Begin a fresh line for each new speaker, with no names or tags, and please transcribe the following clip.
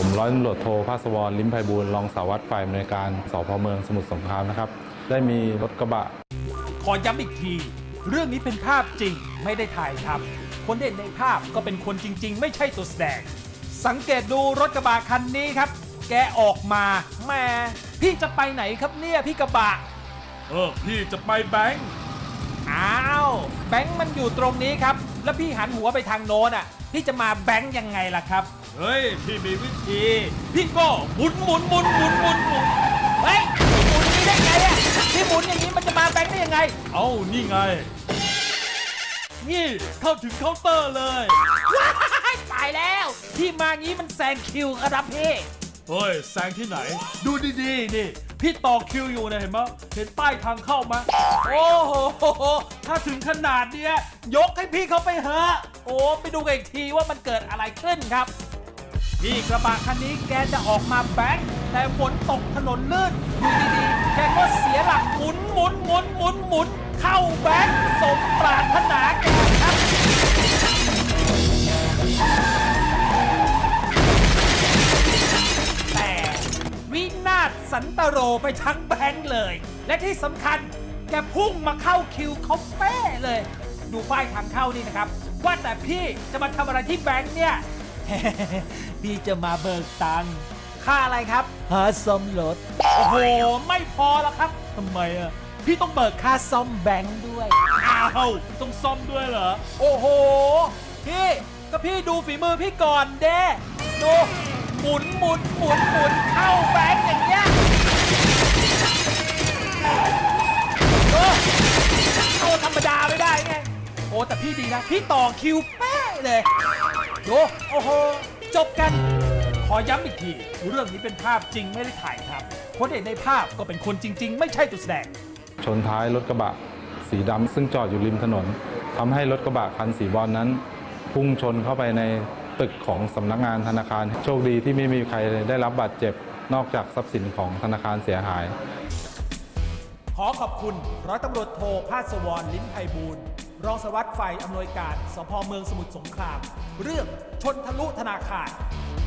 ผมร้อยตำรวจโทภาสวรลิ้มไพบูลย์รองสารวัตรฝ่ายอำนวยการสพเมืองสมุทรสงครามนะครับได้มีรถกระบะ
ขอย้ำอีกทีเรื่องนี้เป็นภาพจริงไม่ได้ถ่ายทำคนที่เห็นในภาพก็เป็นคนจริงๆไม่ใช่ตัวแสดงสังเกตดูรถกระบะคันนี้ครับแกออกมาแหมพี่จะไปไหนครับเนี่ยพี่กระบะ
พี่จะไปแบงค์
อ้าวแบงค์มันอยู่ตรงนี้ครับแล้วพี่หันหัวไปทางโน้นอ่ะพี่จะมาแบงค์ยังไงล่ะครับ
เฮ้ยพี่มีวิธีพี่ก็หมุน
เฮ้ยหมุนนี้ได้ไงอ่ะพี่หมุนอย่างนี้มันจะมาแบงค์ได้ยังไง
นี่ไงนี่เข้าถึงเคาน์เตอร์เลย
ว้ายตายแล้วพี่มางี้มันแซงคิวครับพี่
เฮ้ยแซงที่ไหนดูดีๆนี่พี่ต่อคิวอยู่นะเห็นไหมเห็นป้ายทางเข้าไหม
โอ้โหถ้าถึงขนาดเนี้ยยกให้พี่เขาไปเถอะโอ้ไปดูกันอีกทีว่ามันเกิดอะไรขึ้นครับพี่กระบะคันนี้แกจะออกมาแบงค์แต่ฝนตกถนนลื่นอยู่ดีๆแกก็เสียหลักหมุนเข้าแบงค์สมปรารถนาแกครับแต่วินาศสันตโรไปทั้งแบงค์เลยและที่สำคัญแกพุ่งมาเข้าคิวเขาเป๊ะเลยดูป้ายทางเข้านี่นะครับว่าแต่พี่จะมาทำอะไรที่แบงค์เนี่ย พี่จะมาเบิกตังค์ค่าอะไรครับหาซ่อมรถโอ้โหไม่พอแล้วครับทำไมอ่ะพี่ต้องเบิกค่าซ่อมแบงค์ด้วย
ต้องซ่อมด้วยเหรอ
โอ้โหพี่ก็พี่ดูฝีมือพี่ก่อนเด้ดูหมุนเข้าแบงค์อย่างเงี้ยเข้าธรรมดาไม่ได้ไงโอ้แต่พี่ดีนะพี่ต่อคิวเป๊ะเลยดูโอ้โหจบกันขอย้ำอีกทีเรื่องนี้เป็นภาพจริงไม่ได้ถ่ายครับคนเห็นในภาพก็เป็นคนจริงๆไม่ใช่ตัวแสดง
ชนท้ายรถกระบะสีดำซึ่งจอดอยู่ริมถนนทำให้รถกระบะคันสีบอลนั้นพุ่งชนเข้าไปในตึกของสำนักงานธนาคารโชคดีที่ไม่มีใครได้รับบาดเจ็บนอกจากทรัพย์สินของธนาคารเสียหาย
ขอขอบคุณร้อยตำรวจโทภาสวรลิ้มไพบูลย์รองสารวัตรฝ่ายอำนวยการสพเมืองสมุทรสงครามเรื่องชนทะลุธนาคาร